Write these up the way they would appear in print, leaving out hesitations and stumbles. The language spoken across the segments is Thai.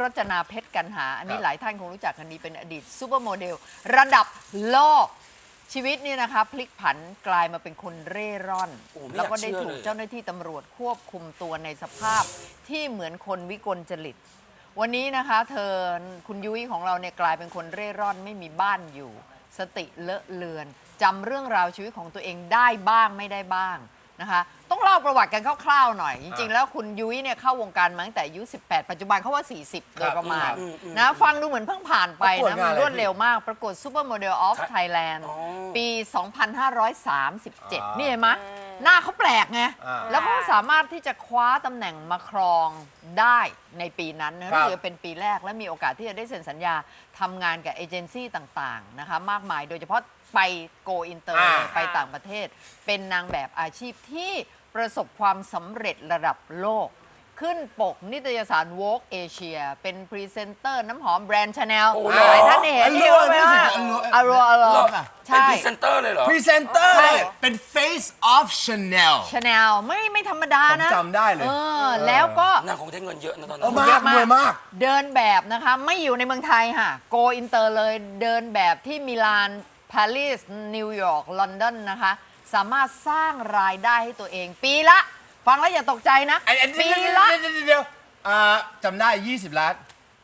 รจนาเพชรกันหาอันนี้หลายท่านคงรู้จักกันดีเป็นอดีตซูเปอร์โมเดลระดับโลกชีวิตนี่นะคะพลิกผันกลายมาเป็นคนเร่ร่อนแล้วก็ได้ถูกเจ้าหน้าที่ตำรวจควบคุมตัวในสภาพที่เหมือนคนวิกลจริตวันนี้นะคะคุณยุ้ยของเราเนี่ยกลายเป็นคนเร่ร่อนไม่มีบ้านอยู่สติเลอะเลือนจำเรื่องราวชีวิตของตัวเองได้บ้างไม่ได้บ้างนะคะต้องเล่าประวัติกันคร่าวๆหน่อยจริงๆแล้วคุณยุ้ยเนี่ยเข้าวงการมาตั้งแต่อายุ18ปัจจุบันเขาว่า40โดยประมาณนะฟังดูเหมือนเพิ่งผ่านไปนะมันรวดเร็วมากประกวดซูเปอร์โมเดลออฟไทยแลนด์ปี 2537 นี่เห็นไหมหน้าเขาแปลกไงแล้วก็สามารถที่จะคว้าตำแหน่งมาครองได้ในปีนั้นนะถือเป็นปีแรกและมีโอกาสที่จะได้เซ็นสัญญาทำงานกับเอเจนซี่ต่างๆนะคะมากมายโดยเฉพาะไปโกอินเตอร์ไปต่างประเทศเป็นนางแบบอาชีพที่ประสบความสำเร็จระดับโลกขึ้นปกนิตยสาร Vogue Asia เป็นพรีเซนเตอร์น้ำหอมแบรนด์ Chanel หลายท่านเห็นที่ว่าอโรใช่เป็นพรีเซนเตอร์เลยเหรอพรีเซนเตอร์เป็น Face of Chanel Chanel ไม่ธรรมดานะจำได้เลยแล้วก็นางคงได้เงินเยอะนะตอนนั้นมากเดินแบบนะคะไม่อยู่ในเมืองไทยค่ะโกอินเตอร์เลยเดินแบบที่มิลานปารีสนิวยอร์กลอนดอนนะคะสามารถสร้างรายได้ให้ตัวเองปีละฟังแล้วอย่าตกใจนะปีละเดี๋ยวจำได้20 ล้าน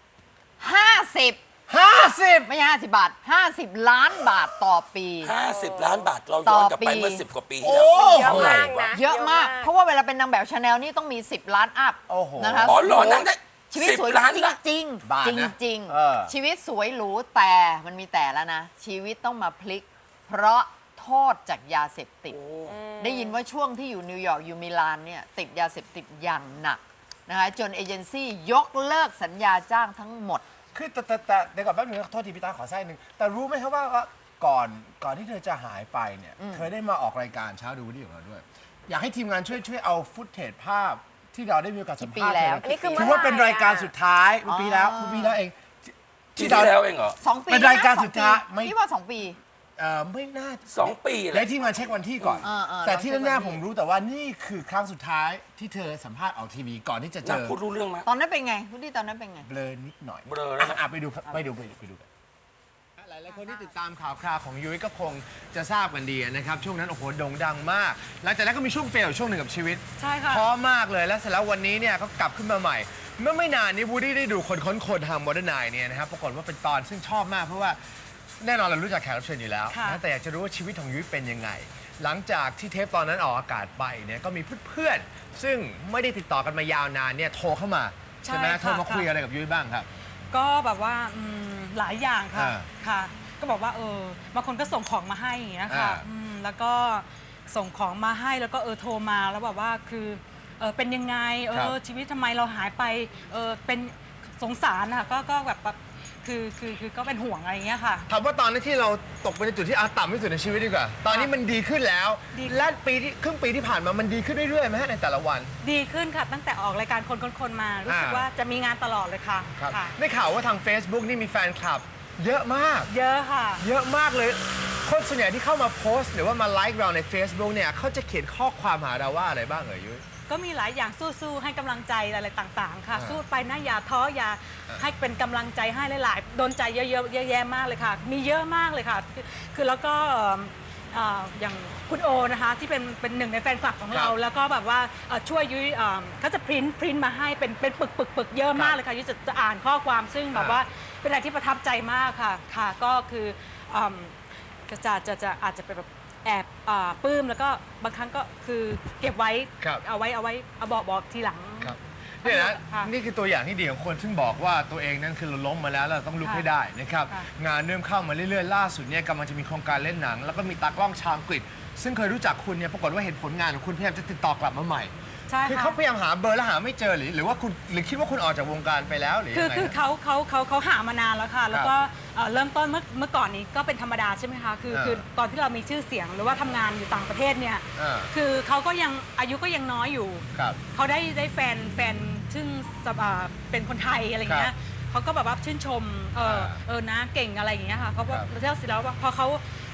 50ไม่ใช่50 บาท50 ล้านบาทต่อปี 50 ล้านบาทเราย้อนกลับไปเมื่อ10 กว่าปีที่แล้วเยอะมากนะเยอะมากเพราะว่าเวลาเป็นนางแบบชาแนลนี่ต้องมี10 ล้านอัพนะคะอ๋อหล่อนางได้ชีวิตสวยจริงชีวิตสวยหรูแต่มันมีแต่แล้วนะชีวิตต้องมาพลิกเพราะโทษจากยาเสพติดได้ยินว่าช่วงที่อยู่นิวยอร์กอยู่มิลานเนี่ยติดยาเสพติดอย่างหนักนะคะจนเอเจนซี่ยกเลิกสัญญาจ้างทั้งหมดคือแต่เดี๋ยวก่อนแป๊บนึงโทษทีพี่ตาขอแทรกนึงแต่รู้ไหมครับว่าก่อนที่เธอจะหายไปเนี่ยเธอได้มาออกรายการเช้าดูดีของเราด้วยอยากให้ทีมงานช่วยเอาฟุตเทจภาพที่เราได้มีโอกาสสัมภาษณ์ถือว่าเป็นรายการสุดท้ายปีแล้วเองที่แล้วเองเหรอ 2 ปีเป็นรายการสุดท้ายพี่ว่า2 ปีไม่น่า 2 ปีเลยทีมงานเช็ควันที่ก่อนแต่ที่แน่ๆผมรู้แต่ว่านี่คือครั้งสุดท้ายที่เธอสัมภาษณ์ออกทีวีก่อนที่จะเจอพูดรู้เรื่องไหมตอนนั้นเป็นไงพูดที่ตอนนั้นเป็นไงเบลอนิดหน่อยเบลอแล้วไปดูกันหลายคนที่ติดตามข่าวคราวของยุ้ยก็คงจะทราบกันดีนะครับช่วงนั้นโอ้โหโด่งดังมากหลังจากนั้นก็มีช่วงเฟลช่วงหนึ่งกับชีวิตใช่ค่ะท้อมากเลยแล้วเสร็จแล้ววันนี้เนี่ยก็กลับขึ้นมาใหม่เมื่อไม่นานนี้วูดดี้ได้ดูคนค้นคนทางโมเดิร์นไนน์เนี่ยนะครับปรากฏว่าเป็นตอนซึ่งชอบมากเพราะว่าแน่นอนเรารู้จักแขกรับเชิญอยู่แล้วนะแต่อยากจะรู้ว่าชีวิตของยุ้ยเป็นยังไงหลังจากที่เทปตอนนั้นออกอากาศไปเนี่ยก็มีเพื่อนๆซึ่งไม่ได้ติดต่อกันมายาวนานเนี่ยโทรเข้ามาใช่ไหมโทรมาคุยอะไรกับยุ้ยบ้างครับก็แบบว่าหลายอย่างค่ะก็บอกว่าบางคนก็ส่งของมาให้อย่างเงี้ยค่ะแล้วก็ส่งของมาให้แล้วก็โทรมาแล้วแบบว่าคือเป็นยังไงชีวิตทำไมเราหายไปเป็นสงสารค่ะก็แบบคือก็เป็นห่วงอะไรอย่างเงี้ยค่ะถามว่าตอนนี้ที่เราตกไปในจุดที่ต่ำที่สุดในชีวิตดีกว่าตอนนี้มันดีขึ้นแล้วและครึ่งปีที่ผ่านมามันดีขึ้นเรื่อยๆไหมฮะในแต่ละวันดีขึ้นค่ะตั้งแต่ออกรายการคนมารู้สึกว่าจะมีงานตลอดเลยค่ะได้ข่าวว่าทาง Facebook นี่มีแฟนคลับเยอะมากเยอะค่ะเยอะมากเลยคนส่วนใหญ่ที่เข้ามาโพสต์หรือว่ามาไลค์เราใน Facebook เนี่ยเขาจะเขียนข้อความหาเราว่าอะไรบ้างยุ้ยก็มีหลายอย่างสู้ๆให้กำลังใจอะไรต่างๆค่ะสู้ไปนะอย่าท้ออย่าให้เป็นกำลังใจให้หลายๆโดนใจเยอะๆเยอะแยะมากเลยค่ะมีเยอะมากเลยค่ะคือแล้วก็อย่างคุณโอนะคะที่เป็นหนึ่งในแฟนคลับของเราแล้วก็แบบว่าช่วยยุ้ยเขาจะพริ้นมาให้เป็นปึกเยอะมากเลยค่ะยุ้ยจะอ่านข้อความซึ่งแบบว่าเป็นอะไรที่ประทับใจมากค่ะก็คือจะอาจจะเป็นแบบแอบปลื้มแล้วก็บางครั้งก็คือเก็บไว้เอาไว้บอกทีหลังเนี่ยนะนี่คือตัวอย่างที่ดีของคนซึ่งบอกว่าตัวเองนั้นคือเราล้มมาแล้วเราต้องลุกให้ได้นะครับงานเริ่มเข้ามาเรื่อยๆล่าสุดเนี่ยกำลังจะมีโครงการเล่นหนังแล้วก็มีตากล้องชาวอังกฤษซึ่งเคยรู้จักคุณเนี่ยปรากฏว่าเห็นผลงานของคุณพยายามจะติดต่อกลับมาใหม่คือเขาพยายามหาเบอร์แล้วหาไม่เจอหรือว่าคุณหรือคิดว่าคุณออกจากวงการไปแล้วหรือยังไงคือเขาหามานานแล้วค่ะแล้วก็เริ่มต้นเมื่อก่อนนี้ก็เป็นธรรมดาใช่ไหมคะคือตอนที่เรามีชื่อเสียงหรือว่าทำงานอยู่ต่างประเทศเนี่ยคือเขาก็ยังอายุก็ยังน้อยอยู่เขาได้แฟนซึ่งเป็นคนไทยอะไรเงี้ยเขาก็แบบว่าชื่นชมนะเก่งอะไรอย่างเงี้ยค่ะเขาก็เท่าสิแล้วว่าพอเขา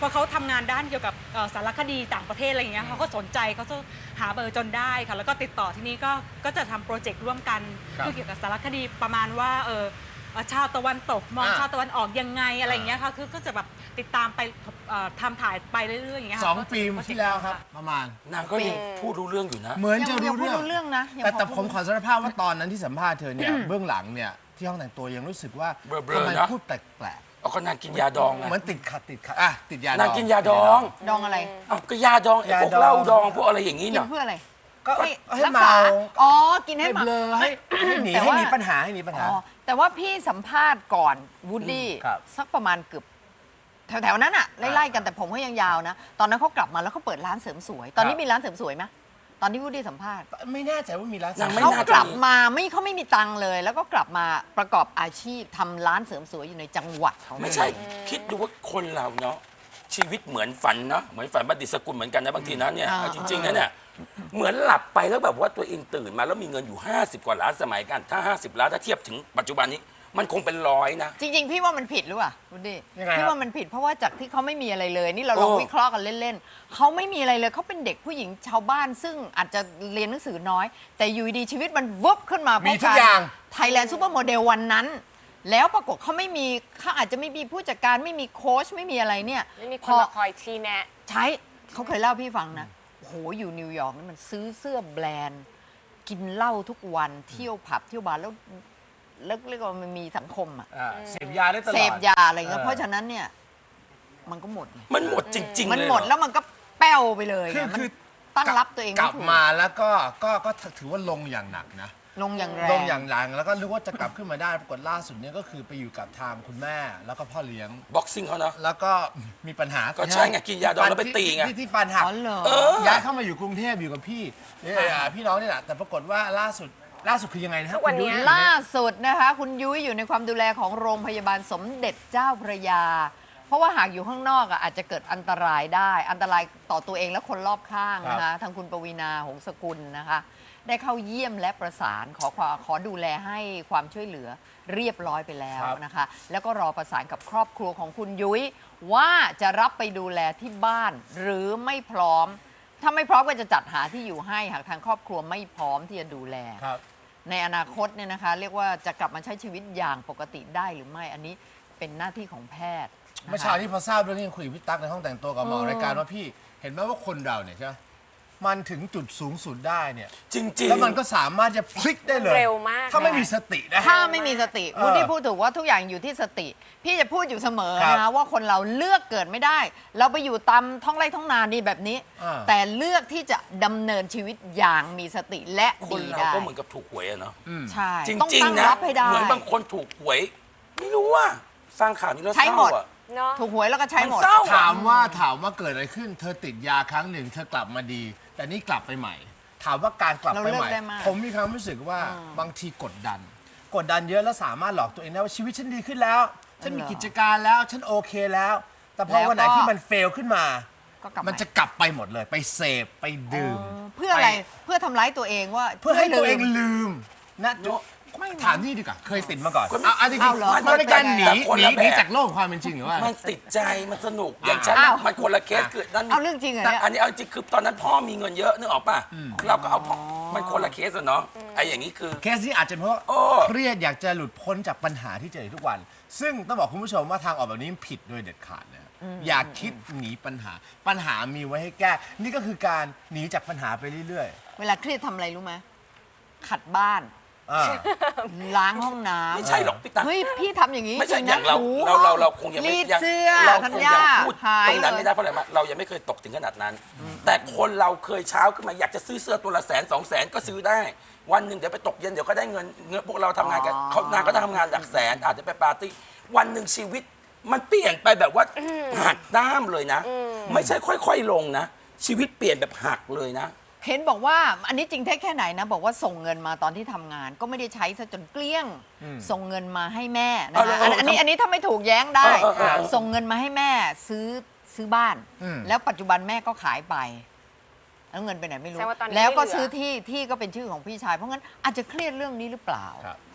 พอเขาทำงานด้านเกี่ยวกับสารคดีต่างประเทศอะไรอย่างเงี้ยเขาก็สนใจเขาจะหาเบอร์จนได้ค่ะแล้วก็ติดต่อที่นี่ก็จะทำโปรเจกต์ร่วมกันเกี่ยวกับสารคดีประมาณว่าชาวตะวันตกมองชาวตะวันออกยังไงอะไรอย่างเงี้ยค่ะคือก็จะแบบติดตามไปทำถ่ายไปเรื่อยๆอย่างเงี้ยค่ะ 2 ปีที่แล้วครับประมาณนางก็ยังพูดรู้เรื่องอยู่นะเหมือนจะยังรู้พูดรู้เรื่องนะยังแต่พอผมขอสารภาพว่าตอนนั้นที่สัมภาษณ์เธอเนี่ยเบื้องหลังเนี่ยที่ห้องแต่งตัวยังรู้สึกว่าเบลอๆทำไมนะพูดแปลกเอาก็นางกินยาดองๆไงเหมือนติดขัดติดยาดองนางกินยาดองดองอะไรเอาก็ยาดองไอ้พวกเหล้าดองพวกอะไรอย่างนี้กินเนาะเพื่ออะไรก็ให้รักเมาษาอ๋อกินให้ให้เมาเบลอให้หนีแต่ให้ว่าหนีปัญหาให้หนีปัญหาอ๋อแต่ว่าพี่สัมภาษณ์ก่อนวูดดี้ครับสักประมาณเกือบแถวๆนั้นอะไล่ๆกันแต่ผมเขายังยาวนะ ตอนนั้นเขากลับมาแล้วเขาเปิดร้านเสริมสวย ตอนนี้มีร้านเสริมสวยไหมตอนที่วูดดี้สัมภาษณ์ไม่แน่ใจว่ามีร้านนางไม่เขาน่าจะกลับมาเขาไม่มีตังค์เลย แล้วก็กลับมาประกอบอาชีพทำร้านเสริมสวยอยู่ในจังหวัดของไม่ใช่ คิดดูว่าคนเราเนาะชีวิตเหมือนฝันเนาะเหมือนฝันบัณฑิตสกุลเหมือนกันนะบางทีนะเนี่ยเอาจริงๆนะเนี่ยเหมือนหลับไปแล้วแบบว่าตัวเองตื่นมาแล้วมีเงินอยู่ 50 กว่าล้านสมัยกันถ้า 50 ล้านถ้าเทียบถึงปัจจุบันนี้มันคงเป็นร้อยนะจริง ๆ พี่ว่ามันผิดหรือเปล่าวูดดี้ยังไงครับพี่ว่ามันผิดเพราะว่าจากที่เขาไม่มีอะไรเลย นี่เราลองวิเคราะห์กันเล่นๆเขาไม่มีอะไรเลยเขาเป็นเด็กผู้หญิงชาวบ้าน ซึ่งอาจจะเรียนหนังสือน้อย แต่อยู่ดีชีวิตมันวุบขึ้นมามีทุกอย่างไทยแลนด์ซูเปอร์โมเดลวันนั้น แล้วปรากฏเขาไม่มีเขาอาจจะไม่มีผู้จัดการไม่มีโค้ชไม่มีอะไรเนี่ยไม่มีคพนอมาคอยชี้แนะใช้เขาเคยเล่าพี่ฟังนะโอ้โหอยู่นิวยอร์กนี่มันซื้อเสื้อแบรนด์ กินเหล้าทุกวันเที่ยวผับเที่ยวบาร์แล้วเรียกว่ามันมีสังคมอะเสพยาได้ตลอดเสพยาอะไรเงี้ยเพราะฉะนั้นเนี่ยมันก็หมดไงมันหมดจริงๆมันเลยหมดเรอแล้วมันก็แป้วไปเลยคือไงมันคือตั้งรับตัวเองกไม่ลับถูกมาแล้วก็ถือว่าลงอย่างหนักนะลงอย่างแรลงงอย่างแรงแล้วก็รู้ว่าจะกลับขึ้นมาได้ปรากฏล่าสุดเนี่ยก็คือไปอยู่กับทางคุณแม่แล้วก็พ่อเลี้ยงบ็อกซิ่งเขาเนาะแล้วก็มีปัญหาก็ใช่ไงกินยาดองแล้วไปตีไงที่ฟันหักอ๋อเหรอย้ายเข้ามาอยู่กรุงเทพอยู่กับพี่พี่น้องนี่แหละแต่ปรากฏว่าล่าสุดคือยังไงนะฮะทุกวันเนี้ยคุณยุ้ยล่าสุดนะคะ คุณยุ้ยอยู่ในความดูแลของโรงพยาบาลสมเด็จเจ้าพระยา เพราะว่าหากอยู่ข้างนอกอาจจะเกิดอันตรายได้ อันตรายต่อตัวเองและคนรอบข้างนะคะทางคุณปวีณาหงสกุลนะคะ ได้เข้าเยี่ยมและประสานขอดูแลให้ความช่วยเหลือเรียบร้อยไปแล้วนะคะ แล้วก็รอประสานกับครอบครัวของคุณยุ้ยว่าจะรับไปดูแลที่บ้านหรือไม่พร้อม ถ้าไม่พร้อมก็จะจัดหาที่อยู่ให้หากทางครอบครัวไม่พร้อมที่จะดูแลครับในอนาคตเนี่ยนะคะ เรียกว่าจะกลับมาใช้ชีวิตอย่างปกติได้หรือไม่อันนี้เป็นหน้าที่ของแพทย์นะคะเมื่อเช้าที่พอทราบเรื่องนี้คุยกับพี่ตั๊กในห้องแต่งตัวกับหมอรายการว่าพี่เห็นไหมว่าคนเราเนี่ยใช่ไหมมันถึงจุดสูงสุดได้เนี่ยจริงๆแล้วมันก็สามารถจะพลิกได้เลยเร็วมากถ้าไม่มีสตินะถ้าไม่มีสติเออพูดที่พูดถูกว่าทุกอย่างอยู่ที่สติ พี่จะพูดอยู่เสมอครับนะคะว่าคนเราเลือกเกิดไม่ได้ เราไปอยู่ตามท้องไร่ท้องนานี่แบบนี้อ่าแต่เลือกที่จะดำเนินชีวิตอย่างมีสติและคนดีเราได้ก็เหมือนกับถูกหวยอะเนาะใช่จต้องริงตั้งๆนะรับให้ได้เหมือนบางคนถูกหวย ไม่รู้ว่าฟังข่าวนี้แล้วเศใช้หมร้าดอะเนาะถูกหวยแล้วก็ใช้หมดมันเศร้าถามว่าเกิดอะไรขึ้น เธอติดยาครั้งหนึ่งเธอกลับมาดี แต่นี่กลับไปใหม่ ถามว่าการกลับไปเราเลืใหอกม่ได้มากผมมีความรู้สึกว่าบางทีกดดันเยอะแล้วสามารถหลอกตัวเองได้ว่าชีวิตฉันดีขึ้นแล้ว ฉันมีกิจการแล้วฉันโอเคแล้ว แต่พอวันไหนที่มันเฟลขึ้นมาก็กลับมันจะกลับไปหมดเลย ไปเสพไปดื่มเพื่ออะไรปเพื่อทำร้ายตัวเองว่าเพื่อให้ตัวเองลืมลืมนะถามนี่ดีกว่าเคยติดมาก่อนคนเอาจริงเอาเหรอๆมันเป็นการหนีแต่คนละแบบจากโลกความเป็นจริงหรือว่ามันติดใจมันสนุกอย่างฉันอ้าวมันคนละเคสคือนั่นเอาเรื่องจริงเหรอแต่เนี่ยอันนี้เอาจริงคือตอนนั้นพ่อมีเงินเยอะนึกออกป่ะเราก็เอาพ่อมันคนละเคสอะเนาะไอ้อย่างนี้คือเคสนี้อาจจะเพราะโอ้เครียดอยากจะหลุดพ้นจากปัญหาที่เจออยู่ทุกวัน ซึ่งต้องบอกคุณผู้ชมว่าทางออกแบบนี้ผิดโดยเด็ดขาดนะอย่าคิดหนีปัญหามีไว้ให้แก้ นี่ก็คือการหนีจากปัญหาไปเรื่อยเวลาเครียดทำอะไรรู้ไหมขัดบ้านๆอ่าล้างห้องน้ำไม่ใช่หรอกพี่ตั๊กเฮ้ยพี่ทำอย่างนี้ไม่ใช่จริอย่างนะเราถูเราคงยังไม่รีดยังเสื้อเราธัญคงญายังพูดหายตรงนั้นเลไม่ยได้เพราะอะไรมาเรายังไม่เคยตกถึงขนาดนั้น แต่คนเราเคยเช้าขึ้นมาอยากจะซื้อเสื้อตัวละ100,000-200,000ก็ซื้อได้ วันหนึ่งเดี๋ยวไปตกเย็นเดี๋ยวก็ได้เงินพวกเราทำงานกันเขานางก็ทำงานหลักแสนอาจจะไปปาร์ตี้วันหนึ่งชีวิตมันเปลี่ยนไปแบบว่าหักด้ามเลยนะ ไม่ใช่ค่อยๆลงนะ ชีวิตเปลี่ยนแบบหักเลยนะเห็นบอกว่าอันนี้จริงแท้แค่ไหนนะบอกว่าส่งเงินมาตอนที่ทำงาน ก็ไม่ได้ใช้ซะจนเกลี้ยง ส่งเงินมาให้แม่นะเอาคะเอาอันนี้ถ้าไม่ถูกแย้งได้เออส่งเงินมาให้แม่ซื้อบ้าน แล้วปัจจุบันแม่ก็ขายไปแล้วเงินไปไหนไม่รู้แสดงว่าตอนนี้แล้วก็ไม่เหลือซื้อที่ก็เป็นชื่อของพี่ชาย เพราะงั้นอาจจะเครียดเรื่องนี้หรือเปล่าครับ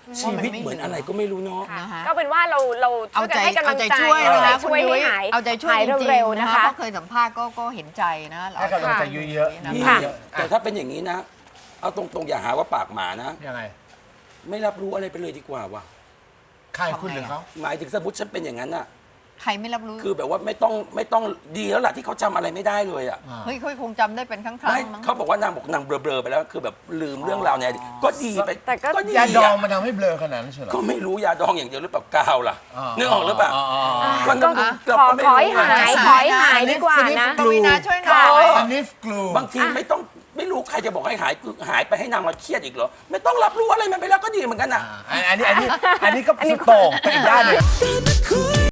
ชีวิตเหมือนอะไรก็ไม่รู้เนาะนะคะก็เป็นว่าเราช่เอาวยกันใจให้กำลัเอางใจใจช่วยนะคะคุณช่วยยุ้ให้ยหายเอาใจช่วยหายจริงเร็วๆๆนะนะคะ คะเพราะเคยสัมภาษณ์ก็เห็นใจนะเราให้กำลังใจเยอะนะๆค่ะแต่ถ้าเป็นอย่างนี้นะ เอาตรงๆอย่าหาว่าปากหมานะยังไงไม่รับรู้อะไรไปเลยดีกว่าว่ะใครคุณหรือเขาหมายถึงสมมติฉันเป็นอย่างนั้นอะใครไม่รับรู้คือแบบว่าไม่ต้องดีแล้วล่ะที่เขาจำอะไรไม่ได้เลยอะเฮ้ยเขาคงจำได้เป็นครั้งไม่ๆมั้งเขาบอกว่านางบอกนางเบลอๆไปแล้วคือแบบลืมเรื่องราวเนี่ยก็ดีไปแต่ก็ดียาดองอะมันทำให้เบลอขนาดนั้นใช่เหรอก็ไม่รู้ยาดองอย่างเดียวหรือเปล่ากาวล่ะนึกออกหรือเปล่าก็เราก็ไม่ขอให้รู้หายนะขอให้หายดีกว่านะกวีนาช่วยหน่อยสนิฟกลูบางทีไม่รู้ใครจะบอกให้หายคือหายไปให้นางมาเครียดอีกเหรอไม่ต้องรับรู้อะไรมันไปแล้วก็ดีเหมือนกันอะอันนี้ก็สุดโต่งไปอีกด้านหนึ่ง